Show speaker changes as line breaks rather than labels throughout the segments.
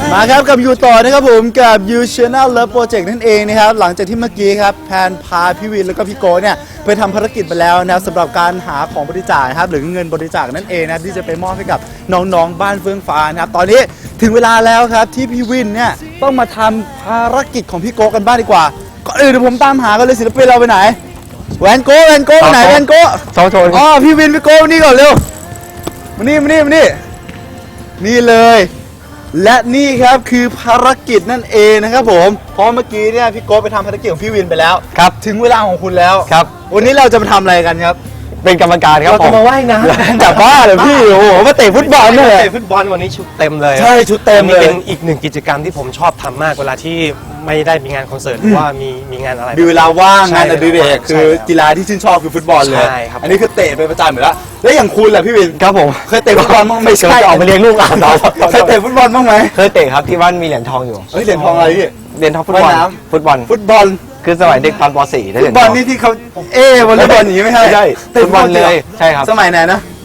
มาครับกับยูต่อนะครับผมกับ You Channel Love Project นั่นเองนะครับหลังจากที่เมื่อกี้ครับแพนพาพี่วินแล้วก็พี่โกเนี่ยไปทำภารกิจไปแล้วนะครับสำหรับการหาของบริจาคครับหรือเงินบริจาคนั่นเองนะที่จะไปมอบให้กับน้องๆบ้านเฟื่องฟ้านะครับตอนนี้ถึงเวลาแล้วครับที่พี่วินเนี่ยต้องมาทำภารกิจของพี่โกกันบ้างดีกว่าก่อนอื่นเดี๋ยวผมตามหากันเลยศิลปินเราไปไหนแวนโก้ไปไหนแวนโก้
โชว์
อ๋อพี่วินพี่โก้นี่ก่อนเร็วมานี่นี่เลยและนี่ครับคือภารกิจนั่นเองนะครับผมเพราะเมื่อกี้เนี่ยพี่โก้ไปทำภารกิจของพี่วินไปแล้ว
ครับ
ถึงเวลาของคุณแล้ว
ครับ
วันนี้เราจะมาทำอะไรกันครับ
เป็นกรรมการครับ
เราจะมาว่ายน้
ำจับบ้าเลยพี่โอ้โหมาเตะฟุตบอลด้วย
เตะฟุตบอลวันนี้ชุดเต็มเลย
ใช่ชุดเต็มเลย
เป็นอีกหนึ่งกิจกรรมที่ผมชอบทำมากเวลาที่ไม่ได้มีงานคอนเสิร์ตหรือว่ามีงานอะไร
มีเวลาว่างงานอดิเรกคือกีฬาที่ชื่นชอบคือฟุตบอลเลยอันนี้คือเตะไปประจำอยู่แล้วแล้วอย่างคุณล่ะพี่วิน
ครับผม
เคยเตะฟุตบอลบ้างไม่ใช่
ออกมาเลี้ยงลูกหลานเรา
เคยเตะฟุตบอลบ้างไหม
เคยเตะครับที่บ้านมีเหรียญทองอยู่
เหรียญทองอะไรพี่
เหรียญทองฟุตบอลคือสมัยเด็กตอนป .4 ได้เหรียญทองฟุ
ตบอลนี่ที่เขาวอลเลย์บอลอย่างนี้ไม่ใช่
ใช่ฟุตบอลเลยใช่ครับ
สมัยไหนนะ
ป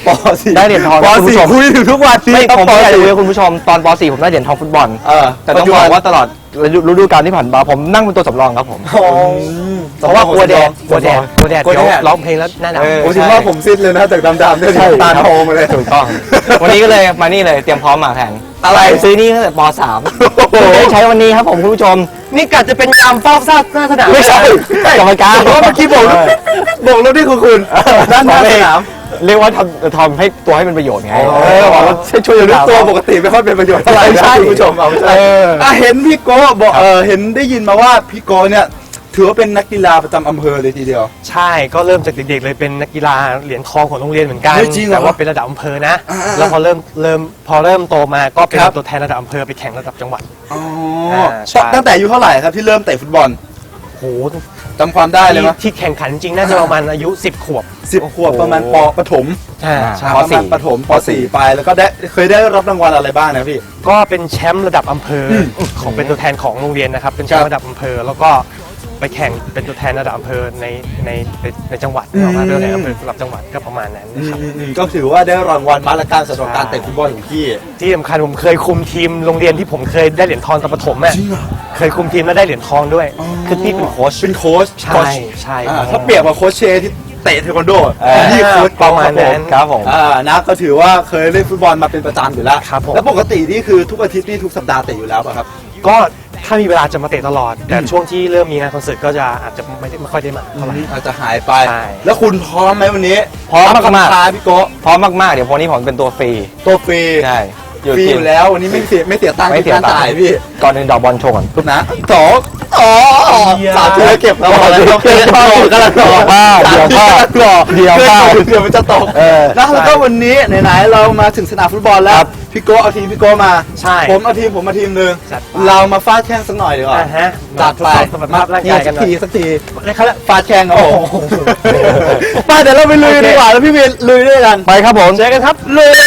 .4 ได้เหรียญทอง
ป .4 คุยถึงทุกวัน
ไม่ผมไม่อยากจะคุยกับคุณผู้ชมตอนป .4 ผมได้เหรียญทองฟุตบอลแต่ต้องบอกว่าตลอดฤดูกาลที่ผ่านมาผมนั่งเป็นตัวสำรองครับผม
เพราะว่ากลัวแดดเดี๋ยวร้องเพลงแล้วหน้าหนาว
ผมคิดว่าผมซิดเลยนะจากดำๆเนี่ยตาโตมาเลย
ถูกต้องวันนี้ก็เลยมานี่เลยเตรียมพร้อมมาแข่งอะไรซื้อนี่ตั้งแต่ป .3 ได้ใช้วันนี้ครับผมคุณผู้ชม
นี่กัดจะเป็นยามเฝ้าซากหน้าสนาม
ไม่ใช่กรรมการ
เพราะเมื่อกี้บอกแล้วนี่คือคุณด้านหน้าสนาม
เรียกว่าทำให้ตัวให้เป็นประโยชน์ไง
บอกว่าช่วยรู้ตัวปกติไม่ค่อยเป็นประโยชน์อะไรใช่คุณผู้ชมเอาใช่เห็นพี่โก้บอกเห็นได้ยินมาว่าพี่โก้เนี่ยถือว่าเป็นนักกีฬาประจำอำเภอเลยทีเดียว
ใช่ก็เริ่มจากเด็กๆเลยเป็นนักกีฬาเหรียญทองของโรงเรียนเหมือนกันแต่ว่าเป็นระดับอำเภอนะแล้วพอเริ่มโตมาก็เป็นตัวแทนระดับอำเภอไปแข่งระดับจังหวัด
ตั้งแต่อายุเท่าไหร่ครับที่เริ่มเตะฟุตบอล
โห
จำความได้เลยมั้ย
ที่แข่งขันจริงน่าจะประมาณอายุ10 ขวบ
ประมาณประถมประมาณประถมป .4 ไปแล้วก็เคยได้รับรางวัลอะไรบ้างนะพี่
ก็เป็นแชมป์ระดับอำเภอของเป็นตัวแทนของโรงเรียนนะครับเป็นแชมป์ระดับอำเภอแล้วก็ไปแข่งเป็นตัวแทนระดับอำเภอในจังหวัดออกมาเป็นตัวแทนอำเภอระดับจังหวัดก็ประมาณนั้นนะครับ
ก็ถือว่าได้รางวัลมาละกันสำหรับการเตะฟุตบอลของพี่
ที่สำคัญผมเคยคุมทีมโรงเรียนที่ผมเคยได้เหรียญทองตอนประถมอ่ะเคยคุมทีมแล้วได้เหรียญทองด้วยคือที่เป็นโค้ชใช่
ถ้าเปรียบกับโค้ชเชที่เตะเทควันโดนี่โค้ช
ประมาณนั้น
ครับผมนะก็ถือว่าเคยเล่นฟุตบอลมาเป็นประจำอยู่แล้วแล้วปกตินี่คือทุกอาทิตย์นี่ทุกสัปดาห์เตะอยู่แล้วป่ะครับ
ก็ถ้ามีเวลาจะมาเตะตลอดแต่ช่วงที่เริ่มมีงานคอนเสิร์ตก็จะอาจจะไม่ค่อยได้มาเท่าไหร่
อาจจะหายไปแล้วคุณพร้อมไหมวันนี้
พร้อมมาก
ๆพี่โก้
พร้อมมากๆเดี๋ยววันนี้ผมเป็นตัวฟรีใช่
ฟรีอยู่แล้ววันนี้ไม่เสียตังค์การจ่ายพี่
ก่อนหนึ่งดอกบอลโชว์ก่อน
ทุกนะสามทีเก็บเราเราเก็บเรากำลังรอเดี๋ยวมันจะตกแล้วก็วันนี้ไหนๆเรามาถึงสนามฟุตบอลแล้วพี่โก้เอาทีมพี่โก้มาผมเอาทีมนึงเรามาฟาดแข่งสักหน่อยดีกว่าจัดไปมาสักทีฟาดแข่งครับผมไปเดี๋ยวเราไปลุยดีกว่าแล้วพี่เวียนลุยด้วยกัน
ไปครับผม
เจอกันครับลุย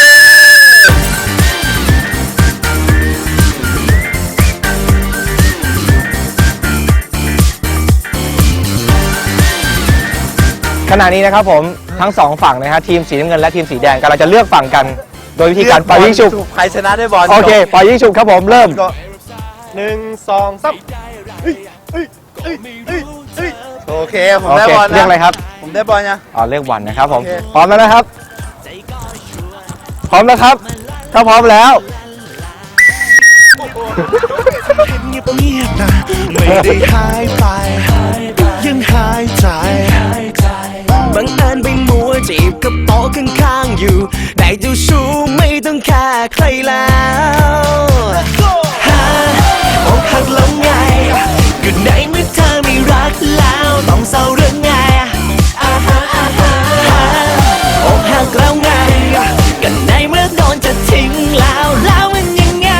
ขณะนี้นะครับผมทั้งสองฝั่งนะฮะทีมสีน้ำเงินและทีมสีแดงกำลังจะเลือกฝั่งกันโดยวิธีการปล่อยยิงฉุบ
ใครชนะได้บอล
โอเคปล่อยยิงฉุบครับผมเริ่ม
1 2 3
โอเคผมได้บอล
เรียกอะไรครับ
ผมได้บอลนะ
เรียกวันนะครับผมพร้อมแล้วนะครับพร้อมแล้วครับถ้าพร้อมแล้ว
ไม่ได้หายไปยังหายใจบังเอิญไปมัวจีบกับโต๊ะข้างๆอยู่ได้เจ้าชู้ไม่ต้องแค่ใครแล้วอกหักแล้วไงก็ในเมื่อเธอไม่รักแล้วต้องเศร้าเรื่องไงอกหักแล้วไงก็ในเมื่อโดนจะทิ้งแล้วมันยังไง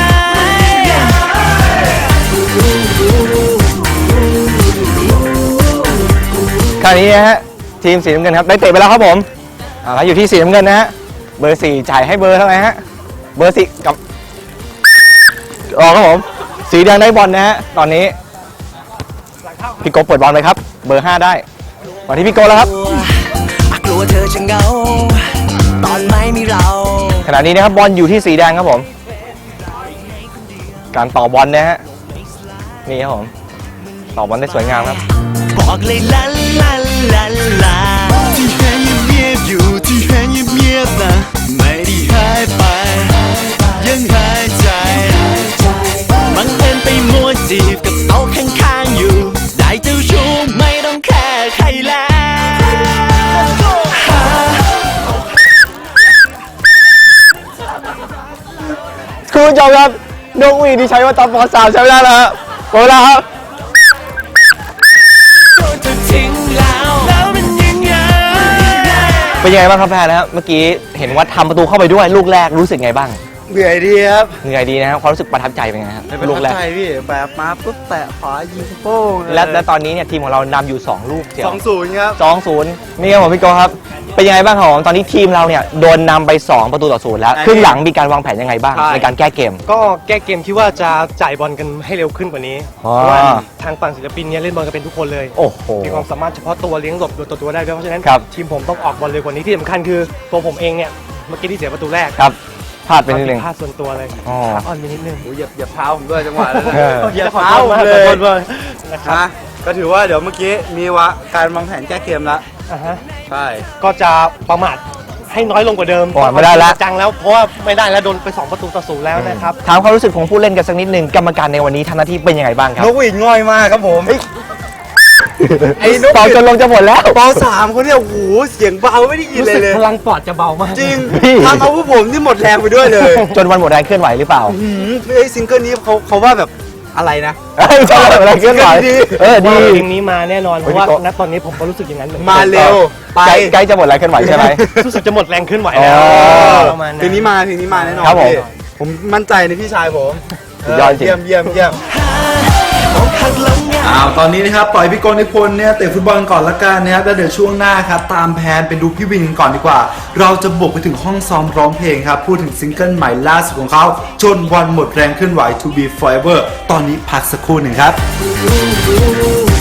คราวนี้นะฮะทีมสีน้ำเงินครับได้เตะไปแล้วครับผมอยู่ที่สีน้ำเงินนะฮะเบอร์4จ่ายให้เบอร์เท่าไหร่ฮะเบอร์4กับครับผมสีแดงได้บอลนะฮะตอนนี้พี่โกเปิดบอลไปครับเบอร์5ได้มาที่พี่โกแล้วครับ
กลัวเธอจะเหงาตอนไม่มีเรา
ขณะนี้นะครับบอลอยู่ที่สีแดงครับผมการต่อบอลนะฮะนี่ครับผมต่อบอลได้สวยงามครับ
บอกเลยลาลาลาลาที่เห็นเงียบๆอยู่ที่เห็นเงียบๆนะไม่ได้หายไป ยังหายใจบังเอิญไปมัวจีบกับโต๊ะข้างๆอยู่ ได้เจ้าชู้ไม่ต้องแค่ใครแล้ว
คุณผู้ชมครับนกหวีดที่ใช้ว่าตอนป .3 ใช้ไม่ได้แล้วฮะหมดเวลาครับ
โดนเธอทิ้งแล้วแล้วมันยังไง
เป็นยังไงบ้างครับแพรนะครับเมื่อกี้เห็นว่าทำประตูเข้าไปด้วยลูกแรกรู้สึกไงบ้าง
เหนื่อยดีครับ
เหนื่อยดีนะครับความรู้สึกประทับใจเป็นไงครับ
ไม่เป็น
ลูกแรก
ใจพี่แบบมาปุ๊บแตะขวายิงโป้ง
และตอนนี้เนี่ยทีมของเรานำอยู่2ลูกเดียว
2-0ครับ
2-0นี่ครับผมพี่โกครับเป็นยังไงบ้างครับผมตอนนี้ทีมเราเนี่ยโดนนำไป2ประตูต่อ0แล้ว
ใช่
ครึ่งหลังมีการวางแผนยังไงบ้าง
ใช่
ในการแก้เกม
ก็แก้เกมคิดว่าจะจ่ายบอลกันให้เร็วขึ้นกว่านี้
อ๋อ
เพราะว่าทางฝั่งศิลปินเนี่ยเล่นบอลกันเป็นทุกคนเลย
โอ้โห
มีความสามารถเฉพาะตัวเลี้ยงหลบตัวได้ด้วยเพราะฉะนั้น
ครับ
ทีมผมต้องออกบอลเร็วกว่านี้ที่สำคัญคือตัวผมเองเนี่ยเมื่อกี้ที่เสียประตูแรก
ครับพลาดไปนิดนึง
พลาดส่วนตัวเลย
อ๋อ
ขาอ่อนไปนิดนึง
โอ้ยเหยียบเท้าผมด้วยจังหวะนั้น
เออ
เหยียบ
ขอ
เท้า
โทษ
ผม
มาก
เล
ขอโท
ย
ษมากนะครับ
นะก็ถือว่าเดี๋ยวเมื่อกี้มีการวางแผนแก้เกมแล้ว
อ่าฮะ
ใช่
ก็จะประมาทให้น้อยลงกว่าเดิม
ประมาทไม่ได้แล้ว
จังแล้วเพราะว่าไม่ได้แล้วโดนไป2ประตูต่อ0แล้วนะครับ
ถามความรู้สึกของผู้เล่นกันสักนิดนึงกรรมการในวันนี้ทำหน้าที่เป็นยังไงบ้างครับ
นกหวีดง่อยมากครับผมไอ้นก
เป่าจนลงจะหมดแล้ว
ป.3คนเนี่ยโอ้โหเสียงเบาไม่ได้ยิน
รู้
เลย
สึก
เลย
พลังปอดจะเบามาก
จริง
พี่
ทำเอาพวกผมที่หมดแรงไปด้วยเลย
จนวันหมดแรงเคลื่อนไหวหรือเปล่า
ไอ้ซิงเกิลนี้เขาว่าแบบอะไรนะ
เอ้ยจนวันหมดแรงเคลื่อนไหว
ดี
เออดี
เพลงนี้มาแน่นอนเพราะว่า
พี่โต๊ะ
ณตอนนี้ผมก็รู้สึกอย่างนั้นเหมือนกัน
มาเร็วไป
ใกล้จะหมดแรงเคลื่อนไหวใช่ไหม
รู้สึกจะหมดแรงขึ้นไหวแล้ว
อ๋อ
ประมาณนั้น
เพลงนี้มาแน่นอน
ครับผม
พี่ผมมั่นใจในพี่ชายผม
สุดยอดจริง
เยี่ยมตอนนี้นะครับปล่อยพี่โกนิพนธ์เนี่ยเตะฟุตบอลก่อนละกันนะครับแล้วเดี๋ยวช่วงหน้าครับตามแผนไปดูพี่วินกันก่อนดีกว่า เราจะบุกไปถึงห้องซ้อมร้องเพลงครับพูดถึงซิงเกิลใหม่ล่าสุดของเขาจนวันหมดแรงเคลื่อนไหว To Be Forever ตอนนี้พักสักครู่หนึ่งครับ